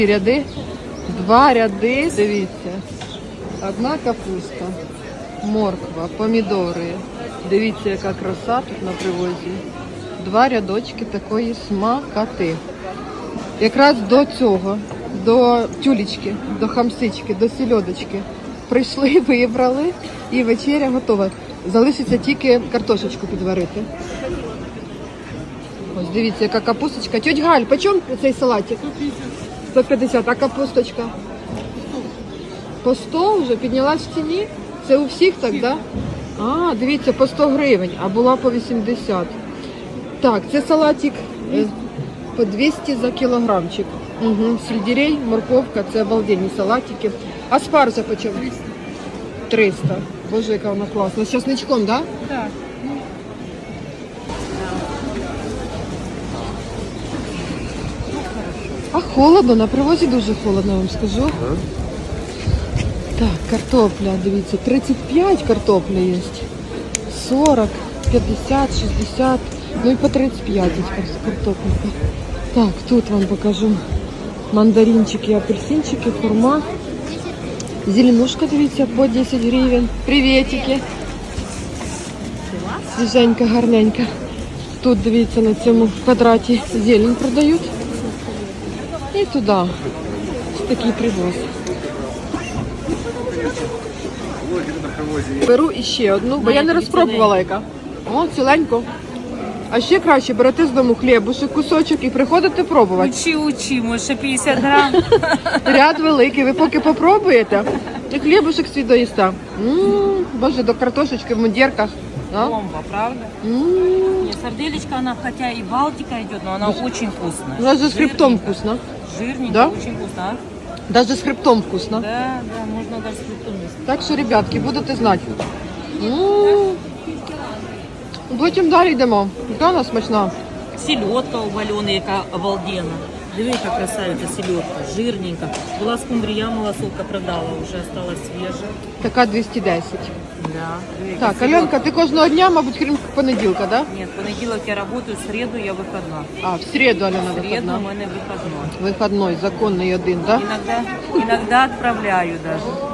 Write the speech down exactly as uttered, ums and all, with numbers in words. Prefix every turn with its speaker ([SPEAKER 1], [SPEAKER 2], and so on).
[SPEAKER 1] Ряди, два ряди, дивіться. Одна капуста, морква, помідори. Дивіться, яка краса тут на привозі. Два рядочки такої смакоти. Якраз до цього, до тюлечки, до хамсички, до сільодочки прийшли, вибрали і вечеря готова. Залишиться тільки картошечку підварити. Ось дивіться, яка капусточка. Тьоть Галь, по чому цей салатик? сто п'ятдесят, а капусточка? По сто вже піднялась в ціні? Це у всіх так, да? А, дивіться, по сто гривень, а була по вісімдесят. Так, це салатик е, по двісті за кілограмчик. Угу. Сельдерей, морковка, це обалденні салатики. А спаржа по чому? триста. Боже, яка вона класна. З часничком, да?
[SPEAKER 2] Так.
[SPEAKER 1] А холодно, на привозі дуже холодно, вам скажу. Так, картопля, дивіться, тридцять п'ять картопля є. сорок, п'ятдесят, шістдесят, ну і по тридцять п'ять картопля. Так, тут вам покажу мандаринчики, апельсинчики, хурма. Зеленушка, дивіться, по десять гривень. Приветики. Свіженька, гарненька. Тут, дивіться, на цьому квадраті зелень продають. І туди. Ось такий привоз. Беру іще одну, бо я не розпробувала яка. О, ціленько. А ще краще берете з дому хлібушек, кусочок і приходите пробувати.
[SPEAKER 2] Учи, учи, може п'ятдесят грам.
[SPEAKER 1] Ряд великий, ви поки попробуєте, і хлібушек свій доїсте. М-м, Боже, до картошечки в мундірках. А?
[SPEAKER 2] Бомба, правда?
[SPEAKER 1] М-м.
[SPEAKER 2] Нет, сарделечка, она хотя и Балтика идет, но она очень вкусная.
[SPEAKER 1] Даже с хребтом
[SPEAKER 2] Жирненько.
[SPEAKER 1] вкусно.
[SPEAKER 2] Жирненько,
[SPEAKER 1] Да?
[SPEAKER 2] очень вкусно. А?
[SPEAKER 1] Даже з хребтом вкусно.
[SPEAKER 2] Да, да, можно даже с хребтом есть.
[SPEAKER 1] Так що, ребятки, будете знати. М-м. Потім далі йдемо. Яка вона смачна.
[SPEAKER 2] Селедка у Валены, яка обалденна. Диви, яка красавиця селедка, жирненька. Була скумбрія, малосолка продала, вже осталась свіжа.
[SPEAKER 1] Така двісті десять.
[SPEAKER 2] Да. Диви, яка
[SPEAKER 1] Так,
[SPEAKER 2] селедка.
[SPEAKER 1] Альонка, ти кожного дня, мабуть, крім понеділка, да?
[SPEAKER 2] Нет, понеділок я работаю, в середу я выходна.
[SPEAKER 1] А, в середу, Альона,
[SPEAKER 2] В середу у
[SPEAKER 1] виходна.
[SPEAKER 2] мене виходной.
[SPEAKER 1] Виходной, законний один, да?
[SPEAKER 2] Иногда, иногда отправляю даже.